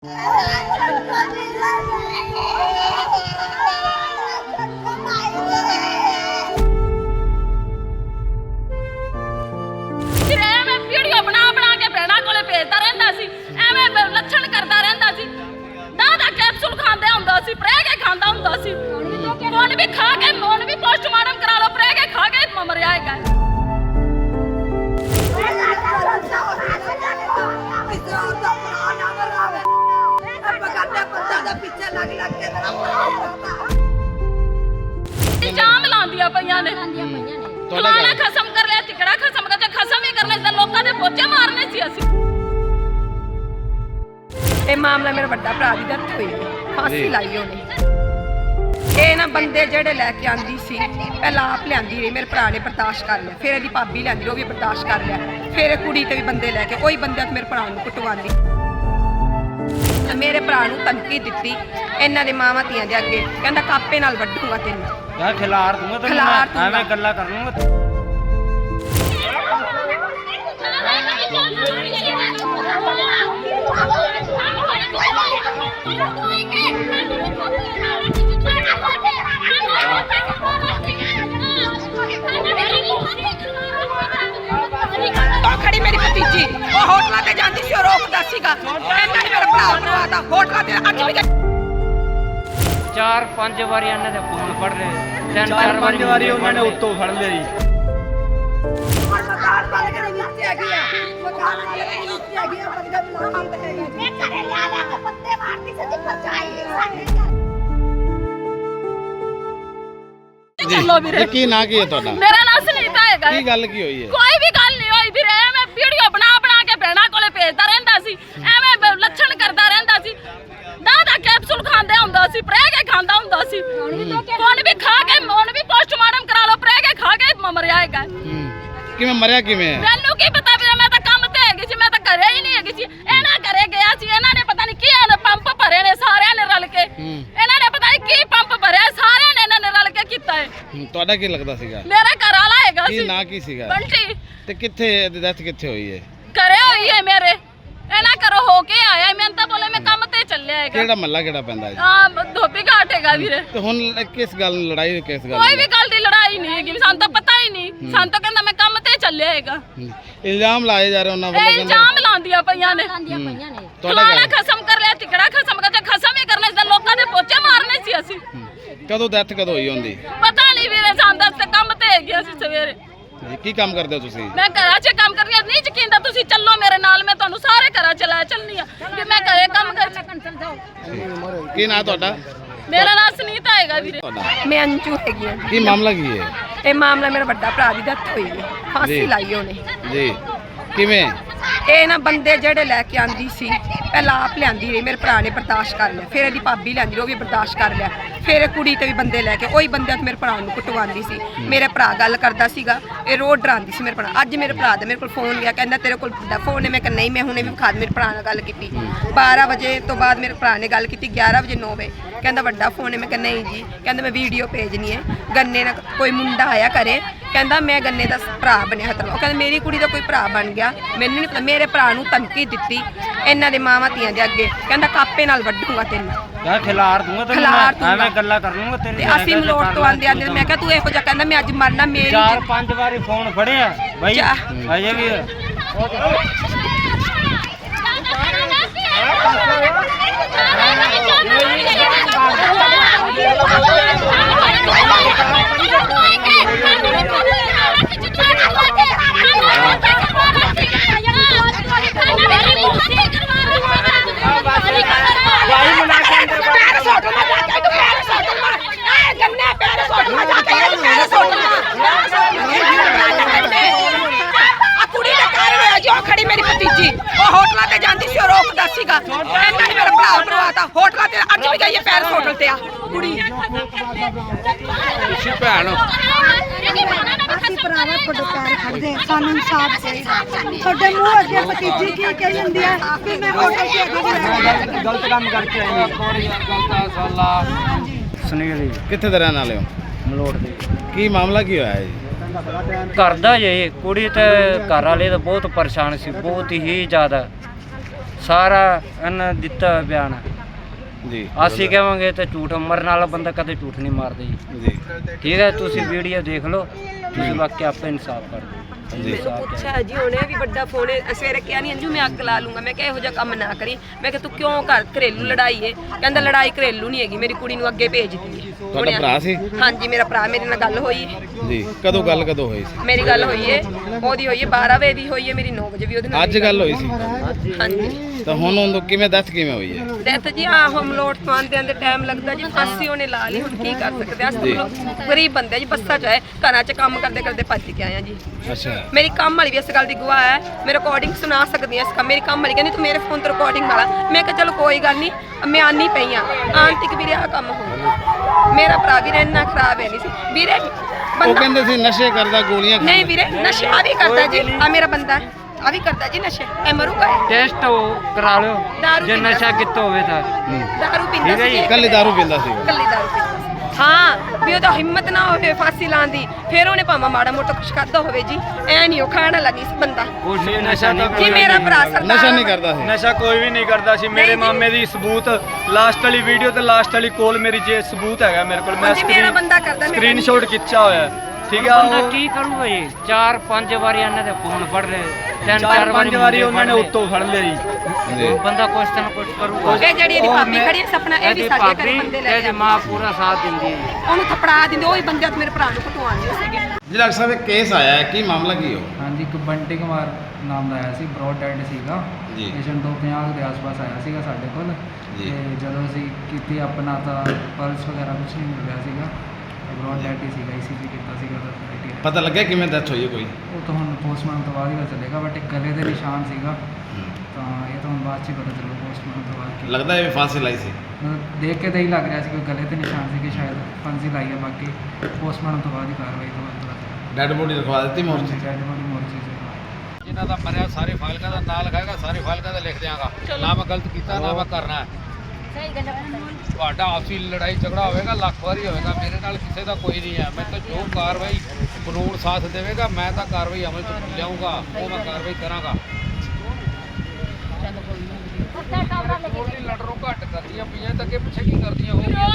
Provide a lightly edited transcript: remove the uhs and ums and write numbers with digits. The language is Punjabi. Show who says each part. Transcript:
Speaker 1: ਵੀਡੀਓ ਬਣਾ ਕੇ ਭੈਣਾਂ ਕੋਲੇ ਭੇਜਦਾ ਰਹਿੰਦਾ ਸੀ, ਐਵੇਂ ਲੱਛਣ ਕਰਦਾ ਰਹਿੰਦਾ ਸੀ। ਦਾ ਕੈਪਸੂਲ ਖਾਂਦਾ ਹੁੰਦਾ ਸੀ, ਪ੍ਰਹਿ ਕੇ ਖਾਂਦਾ ਹੁੰਦਾ ਸੀ। ਹੁਣ ਵੀ ਖਾ ਕੇ ਹੁਣ ਵੀ ਪੋਸਟਮਾਰਟਮ ਕਰਾ ਲਓ, ਪ੍ਰਹਿ ਕੇ ਖਾ ਕੇ ਮਰਿਆ ਹੈਗਾ। ਇਲਜ਼ਾਮ ਲਾਉਂਦੀਆਂ ਪਈਆਂ ਨੇ, ਫਲਾਣਾ ਖਸਮ ਕਰ ਲਿਆ, ਟਿਕੜਾ ਖਸਮ ਕਰ ਲਿਆ। ਖਸਮ ਹੀ ਕਰਨੇ ਸੀ, ਲੋਕਾਂ ਦੇ ਪੋਚੇ ਮਾਰਨੇ ਸੀ ਅਸੀਂ।
Speaker 2: ਇਹ ਮਾਮਲਾ ਮੇਰਾ ਵੱਡਾ ਭਰਾ ਦੀ ਡੈਥ ਹੋਈ, ਫਾਂਸੀ ਲਾਈ ਉਹਨੇ। ਇਹ ਨਾ ਬੰਦੇ ਜਿਹੜੇ ਲੈ ਕੇ ਆਂਦੀ ਸੀ, ਪਹਿਲਾਂ ਆਪ ਲਿਆਂਦੀ ਰਹੀ, ਮੇਰੇ ਭਰਾ ਨੇ ਬਰਦਾਸ਼ਤ ਕਰ ਲਿਆ। ਫਿਰ ਇਹਦੀ ਭਾਬੀ ਲਿਆਂਦੀ, ਉਹ ਵੀ ਬਰਦਾਸ਼ਤ ਕਰ ਲਿਆ। ਫਿਰ ਇਹ ਕੁੜੀ ਤੇ ਵੀ ਬੰਦੇ ਲੈ ਕੇ ਉਹੀ ਬੰਦੇ ਮੇਰੇ ਭਰਾ ਨੂੰ ਕੁੱਟਵਾਉਂਦੀ। ਮੇਰੇ ਭਰਾ ਨੂੰ ਧਮਕੀ ਦਿੱਤੀ ਇਹਨਾਂ ਦੇ ਮਾਵਾਂ ਧੀਆਂ ਦੇ ਅੱਗੇ, ਕਹਿੰਦਾ ਕਾਪੇ ਨਾਲ ਵੱਢੂਗਾ ਤੈਨੂੰ,
Speaker 3: ਯਾਰ ਖਿਲਾਰ ਦੂੰਗਾ ਤੈਨੂੰ, ਐਵੇਂ ਗੱਲਾਂ ਕਰ ਲੂੰਗਾ।
Speaker 2: ਖੜੀ ਮੇਰੀ ਭਤੀਜੀ ਉਹ ਹੋਟਲਾਂ ਤੇ ਜਾਂਦੀ ਸੀ, ਉਹ ਰੋਕਦਾ ਸੀਗਾ। ਇਹਨਾਂ ਨੇ ਮੇਰਾ ਭਰਾ ਬਣਵਾਤਾ ਹੋਟਲਾਂ ਤੇ। ਅੱਜ ਵੀ
Speaker 3: 4-5 ਵਾਰੀ ਇਹਨਾਂ ਦੇ ਫੋਨ ਫੜ ਲਏ, 3-4
Speaker 4: ਵਾਰੀ ਉਹਨਾਂ ਨੇ ਉੱਤੋਂ ਫੜ ਲਿਆ ਜੀ।
Speaker 1: ਚਲੋ ਵੀਰੇ,
Speaker 4: ਕੀ ਨਾਂ ਕੀ ਹੈ ਤੁਹਾਡਾ?
Speaker 1: ਮੇਰਾ ਨਾਮ ਸੁਨੀਤਾ ਹੈਗਾ।
Speaker 4: ਕੀ ਗੱਲ ਕੀ ਹੋਈ ਹੈ?
Speaker 1: ਕੋਈ ਵੀ ਗੱਲ ਨਹੀਂ ਹੋਈ ਵੀਰੇ, ਐਵੇਂ ਵੀਡੀਓ ਬਣਾ ਕੇ ਭੈਣਾਂ ਕੋਲੇ ਭੇਜਦਾ ਰਹਿੰਦਾ ਸੀ, ਐਵੇਂ ਲੱਛਣ ਕਰਦਾ ਰਹਿੰਦਾ ਸੀ। ਦਾ ਕੈਪਸੂਲ ਖਾਂਦਾ ਹੁੰਦਾ ਸੀ, ਪ੍ਰਹਿ ਕੇ ਖਾਂਦਾ ਹੁੰਦਾ ਸੀ। ਹੁਣ ਵੀ ਖਾ ਕੇ ਹੁਣ ਵੀ ਪੋਸਟਮਾਰਟਮ ਕਰਾ ਲਓ, ਪ੍ਰਹਿ ਕੇ ਖਾ ਕੇ ਮਰਿਆ ਹੈਗਾ।
Speaker 4: ਕਿਵੇਂ ਮਰਿਆ ਕਿਵੇਂ ਹੈ?
Speaker 1: ਮੈਨੂੰ ਕੀ ਪਤਾ ਵੀਰੇ, ਮੈਂ ਤਾਂ ਕੰਮ ਤੇ ਹੈਗੀ ਸੀ, ਮੈਂ ਤਾਂ ਘਰੇ ਹੀ ਨਹੀਂ ਹੈਗੀ ਸੀ। ਇਹਨਾਂ ਘਰੇ ਗਿਆ ਸੀ, ਇਹਨਾਂ ਨੇ ਪਤਾ ਨਹੀਂ ਕੀ ਪੰਪ ਭਰੇ ਨੇ ਸਾਰਿਆਂ ਨੇ ਰਲ ਕੇ। ਇਹਨਾਂ ਨੇ ਪਤਾ ਨਹੀਂ ਕੀ ਪੰਪ ਭਰਿਆ, ਸਾਰਿਆਂ ਨੇ ਇਹਨਾਂ ਨੇ ਰਲ ਕੇ ਕੀਤਾ ਹੈ।
Speaker 4: ਤੁਹਾਡਾ ਕੀ ਲੱਗਦਾ ਸੀਗਾ?
Speaker 1: ਮੇਰਾ ਘਰ ਵਾਲਾ ਹੈਗਾ
Speaker 4: ਕੀ
Speaker 1: ਸੀ।
Speaker 4: ਨਾਂ ਕੀ ਸੀਗਾ?
Speaker 1: ਬੰਟੀ।
Speaker 4: ਤੇ ਕਿੱਥੇ ਡੈਥ ਕਿੱਥੇ ਹੋਈ ਹੈ?
Speaker 1: ਘਰੇ ਹੋਈ ਹੈ ਮੇਰੇ, ਇਹਨਾਂ ਘਰੋਂ ਹੋ ਕੇ ਆਇਆ। ਮੈਂ ਤਾਂ ਬੋਲੇ ਮੈਂ ਕੰਮ ਤੇ ਚੱਲਿਆ ਹੈਗਾ।
Speaker 4: ਕਿਹੜਾ ਮਹੱਲਾ ਕਿਹੜਾ ਪੈਂਦਾ ਹੈ?
Speaker 1: ਹਾਂ, ਧੋਬੀ ਘਾਟ ਹੈਗਾ ਵੀਰੇ।
Speaker 4: ਤੇ ਹੁਣ ਕਿਸ ਗੱਲ ਨੂੰ ਲੜਾਈ, ਕਿਸ ਗੱਲ
Speaker 1: ਕੋਈ ਵੀ ਗੱਲ ਦੀ ਲੜਾਈ ਨਹੀਂ ਹੈਗੀ, ਸਾਨੂੰ ਤਾਂ ਪਤਾ ਹੀ ਨਹੀਂ। ਸਾਨੂੰ ਤਾਂ ਕਹਿੰਦਾ ਮੈਂ ਕੰਮ ਤੇ ਚੱਲਿਆ ਹੈਗਾ।
Speaker 4: ਇਲਜ਼ਾਮ ਲਾਏ ਜਾ ਰਹੇ ਉਹਨਾਂ
Speaker 1: ਇਹ
Speaker 4: ਵੱਲੋਂ?
Speaker 1: ਇਲਜ਼ਾਮ ਲਾਉਂਦੀਆਂ ਪਈਆਂ ਨੇ, ਫਲਾਣਾ ਖਸਮ ਕਰ ਲਿਆ, ਟਿਕੜਾ ਖਸਮ ਕਰ ਲਿਆ। ਖਸਮ ਹੀ ਕਰਨੇ ਸੀ, ਲੋਕਾਂ ਦੇ ਪੋਚੇ ਮਾਰਨੇ ਸੀ ਅਸੀਂ।
Speaker 4: ਕਦੋਂ ਡੈਥ ਕਦੋਂ ਹੋਈ ਹੁੰਦੀ?
Speaker 1: ਪਤਾ ਨਹੀਂ ਵੀਰੇ, ਸਾਨੂੰ ਤਾਂ ਕੰਮ ਤੇ ਹੈਗੇ ਅਸੀਂ ਸਵੇਰੇ।
Speaker 4: ਜੀ ਕੀ ਕੰਮ ਕਰਦੇ ਹੋ ਤੁਸੀਂ?
Speaker 1: ਮੈਂ ਘਰਾਂ 'ਚ ਕੰਮ ਕਰਨੀ ਆ। ਨਹੀਂ ਯਕੀਨ ਤਾਂ ਤੁਸੀਂ ਚੱਲੋ ਮੇਰੇ ਨਾਲ, ਮੈਂ ਤੁਹਾਨੂੰ ਸਾਰੇ ਘਰਾਂ 'ਚ ਲੈ ਚੱਲਣੀ ਆ ਕਿ ਮੈਂ ਘਰੇ ਕੰਮ ਕਰ।
Speaker 4: ਕੀ ਨਾਂ ਤੁਹਾਡਾ?
Speaker 1: ਮੇਰਾ ਨਾਮ ਸੁਨੀਤਾ ਹੈਗਾ ਵੀਰੇ।
Speaker 2: ਮੈਂ ਅੰਜੂ ਹੈਗੀ ਹਾਂ।
Speaker 4: ਕੀ ਮਾਮਲਾ ਕੀ ਹੈ?
Speaker 2: ਇਹ ਮਾਮਲਾ ਮੇਰਾ ਵੱਡਾ ਭਰਾ ਦੀ ਡੈਥ ਹੋਈ, ਫਾਂਸੀ ਲਾਈ ਉਹਨੇ।
Speaker 4: ਜੀ ਕਿਵੇਂ?
Speaker 2: ਇਹ ਨਾ ਬੰਦੇ ਜਿਹੜੇ ਲੈ ਕੇ ਆਂਦੀ ਸੀ, ਪਹਿਲਾਂ ਆਪ ਲਿਆਂਦੀ ਰਹੀ, ਮੇਰੇ ਭਰਾ ਨੇ ਬਰਦਾਸ਼ਤ ਕਰ ਲਿਆ। ਫਿਰ ਇਹਦੀ ਭਾਬੀ ਲਿਆਂਦੀ, ਉਹ ਵੀ ਬਰਦਾਸ਼ਤ ਕਰ ਲਿਆ। ਫਿਰ ਇਹ ਕੁੜੀ ਤੇ ਵੀ ਬੰਦੇ ਲੈ ਕੇ ਉਹੀ ਬੰਦੇ ਮੇਰੇ ਭਰਾ ਨੂੰ ਕੁੱਟਵਾਉਂਦੀ ਸੀ। ਮੇਰੇ ਭਰਾ ਗੱਲ ਕਰਦਾ ਸੀਗਾ, ਇਹ ਰੋਜ਼ ਡਰਾਉਂਦੀ ਸੀ ਮੇਰੇ ਭਰਾ। ਅੱਜ ਮੇਰੇ ਭਰਾ ਦਾ ਮੇਰੇ ਕੋਲ ਫੋਨ ਲਿਆ, ਕਹਿੰਦਾ ਤੇਰੇ ਕੋਲ ਵੱਡਾ ਫੋਨ ਹੈ? ਮੈਂ ਕਿਹਾ ਨਹੀਂ, ਮੈਂ ਹੁਣੇ ਵੀ ਵਿਖਾ। ਮੇਰੇ ਭਰਾ ਨਾਲ ਗੱਲ ਕੀਤੀ 12 ਵਜੇ ਤੋਂ ਬਾਅਦ ਮੇਰੇ ਭਰਾ ਨੇ ਗੱਲ ਕੀਤੀ 11 ਵਜੇ 9 ਵਜੇ। ਕਹਿੰਦਾ ਵੱਡਾ ਫੋਨ ਹੈ? ਮੈਂ ਕਿਹਾ ਨਹੀਂ ਜੀ। ਕਹਿੰਦਾ ਮੈਂ ਵੀਡੀਓ ਭੇਜਣੀ ਹੈ। ਗੰਨੇ ਨਾਲ ਕੋਈ ਮੁੰਡਾ ਆਇਆ ਘਰੇ, ਕਹਿੰਦਾ ਮੈਂ ਗੰਨੇ ਦਾ ਭਰਾ ਬਣਿਆ ਹੈ। ਉਹ ਕਹਿੰਦਾ ਮੇਰੀ ਕੁੜੀ ਦਾ ਕੋਈ ਭਰਾ ਬਣ ਗਿਆ, ਮੈਨੂੰ ਨਹੀਂ ਪਤਾ। ਮੇਰੇ ਭਰਾ ਨੂੰ ਧਮਕੀ ਦਿੱਤੀ ਇਹਨਾਂ ਦੇ ਮਾਵਾਂ ਧੀਆਂ ਦੇ ਅੱਗੇ, ਕਹਿੰਦਾ ਕਾਪੇ ਨਾਲ ਵੱਢੂਗਾ ਤੈਨੂੰ,
Speaker 3: ਯਾਰ ਖਿਲਾਰ ਦੂੰਗਾ ਤੈਨੂੰ, ਐਵੇਂ ਗੱਲਾਂ ਕਰ ਲੂੰਗਾ ਤੇਰੀ।
Speaker 2: ਤੇ ਅਸੀਂ ਮਲੋਟ ਤੋਂ ਆਂਦੇ ਮੈਂ ਕਿਹਾ ਤੂੰ ਇਹੋ ਜਿਹਾ ਕਹਿੰਦਾ ਮੈਂ ਅੱਜ ਮਰਨਾ। ਮੇਰੀ
Speaker 3: 4-5 ਵਾਰੀ ਫੋਨ ਫੜਿਆ ਬਾਈ, ਅਜੇ ਵੀ
Speaker 2: ਖੜੀ ਮੇਰੀ ਭਤੀਜੀ ਉਹ ਹੋਟਲਾਂ ਤੇ ਜਾਂਦੀ ਸੀ, ਉਹ ਰੋਕਦਾ ਸੀਗਾ। ਇਹਨਾਂ ਨੇ ਮੇਰਾ ਭਰਾ ਬਣਵਾਤਾ ਹੋਟਲਾਂ ਤੇ। ਅੱਜ ਵੀ ਗਈ ਹੈ ਪੈਰਿਸ ਹੋਟਲ ਤੇ ਆ ਕੁੜੀ।
Speaker 4: ਤੁਸੀਂ ਭੈਣ ਹੋ?
Speaker 5: ਅਸੀਂ ਭਰਾਵਾ ਤੁਹਾਡੇ ਪੈਰ ਖੜਦੇ, ਸਾਨੂੰ ਇਨਸਾਫ ਚਾਹੀਦਾ। ਤੁਹਾਡੇ ਮੂੰਹ ਅੱਗੇ ਭਤੀਜੀ ਕੀ ਕਹੀ ਜਾਂਦੀ ਹੈ ਕਿ ਮੈਂ ਹੋਟਲ ਤੇ ਅੱਗੇ
Speaker 3: ਗਲਤ ਕੰਮ ਕਰਕੇ ਆਈ ਸੁਨੀਲ ਜੀ।
Speaker 4: ਕਿੱਥੇ ਦੇ ਰਹਿਣ ਵਾਲੇ ਹੋ?
Speaker 3: ਮਲੋਟ ਦੀ।
Speaker 4: ਕੀ ਮਾਮਲਾ ਕੀ ਹੋਇਆ ਹੈ ਜੀ?
Speaker 3: ਘਰ ਦਾ ਜੇ ਕੁੜੀ ਤੇ ਘਰ ਵਾਲੇ ਤਾਂ ਬਹੁਤ ਪਰੇਸ਼ਾਨ ਸੀ, ਬਹੁਤ ਹੀ ਜ਼ਿਆਦਾ। ਸਾਰਾ ਇਹਨਾਂ ਦਿੱਤਾ ਹੋਇਆ ਬਿਆਨ ਹੈ।
Speaker 4: ਜੀ
Speaker 3: ਅਸੀਂ ਕਹਾਂਗੇ ਤੇ ਝੂਠ, ਮਰਨ ਵਾਲਾ ਬੰਦਾ ਕਦੇ ਝੂਠ ਨਹੀਂ ਮਾਰਦਾ ਜੀ।
Speaker 4: ਜੀ
Speaker 3: ਠੀਕ ਹੈ, ਤੁਸੀਂ ਵੀਡੀਓ ਦੇਖ ਲਓ, ਤੁਸੀਂ ਬਾਕੀ ਆਪੇ ਇਨਸਾਫ ਕਰ ਦਿਓ।
Speaker 2: ਮੈਨੂੰ ਪੁੱਛਿਆ ਜੀ ਉਹਨੇ ਵੀ ਵੱਡਾ ਫੋਨ ਸਵੇਰੇ ਕਿਹਾ ਨਹੀਂ ਅੰਜੂ ਮੈਂ ਅੱਗ ਲਾ ਲੂੰਗਾ। ਮੈਂ ਕਿਹਾ ਇਹੋ ਜਿਹਾ ਕੰਮ ਨਾ ਕਰੀ। ਮੈਂ ਕਿਹਾ ਤੂੰ ਕਿਉਂ ਘਰੇਲੂ ਲੜਾਈ ਏ? ਕਹਿੰਦਾ ਲੜਾਈ ਘਰੇਲੂ ਨਹੀਂ ਹੈਗੀ, ਮੇਰੀ ਕੁੜੀ ਨੂੰ ਅੱਗੇ ਭੇਜਦੀ ਏ।
Speaker 4: ਤੁਹਾਡਾ ਭਰਾ ਸੀ?
Speaker 2: ਹਾਂਜੀ ਮੇਰਾ ਭਰਾ, ਮੇਰੇ ਨਾਲ ਗੱਲ ਹੋਈ ਏ।
Speaker 4: ਜੀ ਕਦੋਂ ਕਦੋਂ ਹੋਈ ਸੀ?
Speaker 2: ਮੇਰੀ ਗੱਲ ਹੋਈ ਏ, ਉਹਦੀ ਹੋਈ ਏ 12 ਵਜੇ ਦੀ ਹੋਈ ਏ, ਮੇਰੀ 9 ਵਜੇ ਵੀ ਉਹਦੇ ਨਾਲ
Speaker 4: ਅੱਜ ਗੱਲ ਹੋਈ ਸੀ?
Speaker 2: ਹਾਂਜੀ।
Speaker 4: ਤਾਂ ਹੁਣ ਉਹਨੂੰ ਕਿਵੇਂ ਦੱਸ ਕਿਵੇਂ ਹੋਈ ਹੈ?
Speaker 2: ਡੈਥ ਜੀ ਆ ਹਮਲੋਟ ਪਾਉਂਦੇ ਦੇ ਟਾਈਮ ਲੱਗਦਾ ਜੀ, ਫਾਂਸੀ ਉਹਨੇ ਲਾ ਲਈ। ਹੁਣ ਕੀ ਕਰ ਸਕਦੇ ਆ? ਅਸੀਂ ਗਰੀਬ ਬੰਦੇ ਜੀ, ਬੱਸਾਂ 'ਚ ਆਏ, ਘਰਾਂ 'ਚ ਕੰਮ ਕਰਦੇ ਕਰਦੇ ਭੱਜ ਕੇ ਆਏ ਆ ਜੀ।
Speaker 4: ਅੱਛਾ
Speaker 2: ਮੇਰੀ ਕੰਮ ਵਾਲੀ ਵੀ ਇਸ ਗੱਲ ਦੀ ਗਵਾਹ ਹੈ, ਮੈਂ ਰਿਕਾਰਡਿੰਗ ਸੁਣਾ ਸਕਦੀ ਹਾਂ। ਇਸ ਕੰਮ ਮੇਰੀ ਕੰਮ ਵਾਲੀ ਕਹਿੰਦੀ ਤੂੰ ਮੇਰੇ ਫੋਨ ਤੋਂ ਰਿਕਾਰਡਿੰਗ ਵਾਲਾ। ਮੈਂ ਕਿਹਾ ਚਲੋ ਕੋਈ ਗੱਲ ਨਹੀਂ, ਮੈਂ ਆਨੀ ਪਈ ਆ। ਆਂਟਿਕ ਵੀਰੇ ਆ ਕੰਮ ਹੋ ਮੇਰਾ ਭਰਾ ਵੀਰੇ ਇੰਨਾ ਖਰਾਬ ਹੈ ਨਹੀਂ ਸੀ ਵੀਰੇ।
Speaker 4: ਉਹ
Speaker 2: ਬੰਦਾ
Speaker 4: ਕਹਿੰਦੇ ਸੀ ਨਸ਼ੇ ਕਰਦਾ, ਗੋਲੀਆਂ
Speaker 2: ਨਹੀਂ ਵੀਰੇ, ਨਸ਼ੇ ਆ ਵੀ ਕਰਦਾ ਜੀ। ਆ ਮੇਰਾ ਬੰਦਾ ਆ ਵੀ ਕਰਦਾ ਜੀ ਨਸ਼ੇ। ਇਹ ਮਰੂਗਾ ਇਹ।
Speaker 3: ਟੈਸਟ ਕਰਾ ਲਿਓ
Speaker 2: ਦਾਰੂ
Speaker 3: ਜੇ
Speaker 2: ਪੀਂਦਾ
Speaker 3: ਨਸ਼ਾ ਕੀਤਾ ਹੋਵੇ ਤਾਂ।
Speaker 2: ਦਾਰੂ ਪੀਂਦਾ
Speaker 3: ਠੀਕ ਹੈ
Speaker 2: ਸੀ
Speaker 3: ਜੀ।
Speaker 4: ਕੱਲੀ ਦਾਰੂ ਪੀਂਦਾ ਸੀ ਉਹ?
Speaker 2: ਕੱਲੀ ਦਾਰੂ ਪੀਂਦਾ ਸੀ। ਹਾਂ ਵੀ ਉਹਦਾ ਹਿੰਮਤ ਨਾ ਹੋਵੇ ਫਾਂਸੀ ਲਾਉਣ ਦੀ, ਫਿਰ ਉਹਨੇ ਭਾਵੇਂ ਮਾੜਾ ਮੋਟਾ ਕੁਛ ਕਰਦਾ ਹੋਵੇ ਜੀ। ਐ ਨਹੀਂ ਉਹ ਖਾਣ ਲੱਗੀ ਸੀ ਬੰਦਾ
Speaker 3: ਕੁਛ ਨਹੀਂ, ਨਸ਼ਾ ਨਹੀਂ
Speaker 2: ਜੀ। ਮੇਰਾ ਭਰਾ ਸਰਦਾਰ
Speaker 4: ਨਸ਼ਾ ਨਹੀਂ ਕਰਦਾ ਸੀ?
Speaker 6: ਨਸ਼ਾ ਕੋਈ ਵੀ ਨਹੀਂ ਕਰਦਾ ਸੀ। ਮੇਰੇ ਮਾਮੇ ਦੀ ਸਬੂਤ ਲਾਸਟ ਵਾਲੀ ਵੀਡੀਓ ਤੇ ਲਾਸਟ ਵਾਲੀ ਕੋਲ ਮੇਰੀ ਜੇ ਸਬੂਤ ਹੈਗਾ ਮੇਰੇ ਕੋਲ। ਮੈਂ
Speaker 2: ਹਾਂਜੀ, ਮੇਰਾ ਬੰਦਾ ਕਰਦਾ, ਮੇਰਾ
Speaker 6: ਸਕਰੀਨਸ਼ਾਟ ਖਿੱਚਿਆ ਹੋਇਆ ਹੈ। ਠੀਕ ਹੈ,
Speaker 3: ਬੰਦਾ
Speaker 6: ਉਹ
Speaker 3: ਕੀ ਕਰੂਗਾ ਜੀ? 4-5 ਵਾਰੀ ਇਹਨਾਂ ਦੇ ਫੋਨ ਫੜ ਲਏ, 3-4
Speaker 6: 4-5 ਵਾਰੀ ਉਹਨਾਂ ਨੇ ਉੱਤੋਂ ਫੜ ਲਿਆ ਜੀ।
Speaker 4: ਜੀ
Speaker 3: ਬੰਦਾ ਕੁਛ ਤਾਂ ਕੁਛ ਕਰੂਗਾ।
Speaker 2: ਇਹ ਜਿਹੜੀ ਇਹਦੀ ਭਾਬੀ ਖੜੀ ਹੈ ਸਪਨਾ, ਇਹ ਵੀ ਸਾਡੇ ਘਰੇ ਬੰਦੇ ਲੈ
Speaker 3: ਇਹਦੀ
Speaker 2: ਕੇ
Speaker 3: ਮਾਂ ਪੂਰਾ ਸਾਥ ਦਿੰਦੀ ਹੈ।
Speaker 2: ਉਹਨੂੰ ਥਪੜਾ ਦਿੰਦੇ। ਉਹੀ ਬੰਦੇ ਅੱਜ ਮੇਰੇ ਭਰਾ ਨੂੰ ਘਟਵਾਉਂਦੇ ਸੀਗੇ।
Speaker 4: ਜੀ ਡਾਕਟਰ ਸਾਹਿਬ ਇੱਕ ਕੇਸ ਆਇਆ ਹੈ, ਕੀ ਮਾਮਲਾ ਕੀ ਹੋ?
Speaker 7: ਹਾਂਜੀ, ਇੱਕ ਬੰਟੀ ਕੁਮਾਰ ਨਾਮ ਦਾ ਆਇਆ ਸੀ, ਬ੍ਰੌਡ ਡੈਡ ਸੀਗਾ।
Speaker 4: ਜੀ।
Speaker 7: ਪੇਸ਼ੈਂਟ 250 ਦੇ ਆਸ-ਪਾਸ ਆਇਆ ਸੀਗਾ ਸਾਡੇ ਕੋਲ।
Speaker 4: ਜੀ।
Speaker 7: ਤੇ ਜਦੋਂ ਅਸੀਂ ਕੀਤੀ ਆਪਣਾ ਤਾਂ ਪਲਸ ਵਗੈਰਾ ਕੁਝ ਨਹੀਂ ਮਿਲ ਰਿਹਾ ਸੀਗਾ। ਬ੍ਰੌਡ ਡੈਡ ਹੀ ਸੀਗਾ, ECG ਕੀਤਾ ਸੀਗਾ ਤਾਂ criteria।
Speaker 4: ਪਤਾ ਲੱਗਿਆ ਕਿਵੇਂ ਡੈਥ ਹੋਈ ਹੈ ਕੋਈ?
Speaker 7: ਉਹ ਤਾਂ ਹੁਣ ਪੋਸਟਮਾਰਟਮ ਤੋਂ ਬਾਅਦ ਹੀ ਪਤਾ ਚੱਲੇਗਾ, ਬਟ ਇੱਕ ਗਲੇ ਦੇ ਨਿਸ਼ਾਨ ਸੀਗਾ। ਤਾਂ ਇਹ ਤਾਂ ਹੁਣ ਬਾਅਦ 'ਚ ਹੀ ਪਤਾ ਚੱਲੂ ਪੋਸਟਮਾਰਟਮ ਤੋਂ ਬਾਅਦ ਕੀ।
Speaker 4: ਲੱਗਦਾ ਇਹ ਫਾਂਸੀ ਲਾਈ ਸੀ?
Speaker 7: ਮਤਲਬ ਦੇਖ ਕੇ ਤਾਂ ਹੀ ਲੱਗ ਰਿਹਾ ਸੀ ਕਿ ਗਲੇ ਤੇ ਨਿਸ਼ਾਨ ਸੀ ਕਿ ਸ਼ਾਇਦ ਫਾਂਸੀ ਲਾਈ ਹੈ। ਬਾਕੀ ਪੋਸਟਮਾਰਟਮ ਤੋਂ ਬਾਅਦ ਹੀ ਕਾਰਵਾਈ ਤੋਂ ਬਾਅਦ ਪਤਾ ਚੱਲੇਗਾ।
Speaker 4: ਡੈਡ ਬੋਡੀ ਰਖਵਾ ਦਿੱਤੀ ਮੋਰਚੇ 'ਚ?
Speaker 7: ਡੈਡ ਬੋਡੀ ਮੋਰਚੇ 'ਚ।
Speaker 8: ਜਿਨ੍ਹਾਂ ਦਾ ਮਰਿਆ ਸਾਰੀ ਫਾਈਲਾਂ ਦਾ ਨਾਂ ਲਿਖਾਏਗਾ, ਸਾਰੀ ਫਾਈਲਾਂ ਦਾ ਲਿਖ ਦਿਆਂਗਾ। ਨਾ ਮੈਂ ਗਲਤ ਕੀਤਾ, ਨਾ ਮੈਂ ਕਰਨਾ ਹੈ। ਤੁਹਾਡਾ ਆਪਸੀ ਲੜਾਈ ਝਗੜਾ ਹੋਵੇਗਾ, ਲੱਖ ਵਾਰੀ ਹੋਵੇਗਾ, ਮੇਰੇ ਨਾਲ ਕਿਸੇ ਦਾ ਕੋਈ ਨਹੀਂ ਹੈ। ਮੈਂ ਤਾਂ ਜੋ ਕਾਰਵਾਈ ਕਾਨੂੰਨ ਸਾਥ ਦੇਵੇਗਾ, ਮੈਂ ਤਾਂ ਕਾਰਵਾਈ ਅਮਲ 'ਚ ਲਿਆਉਂਗਾ, ਉਹ ਮੈਂ ਕਾਰਵਾਈ ਕਰਾਂਗਾ। ਲੜਰੋਂ ਘੱਟ ਕਰਦੀਆਂ ਪਈਆਂ ਤਾਂ ਅੱਗੇ ਪਿੱਛੇ ਕੀ ਕਰਦੀਆਂ ਹੋਊਗੀਆਂ?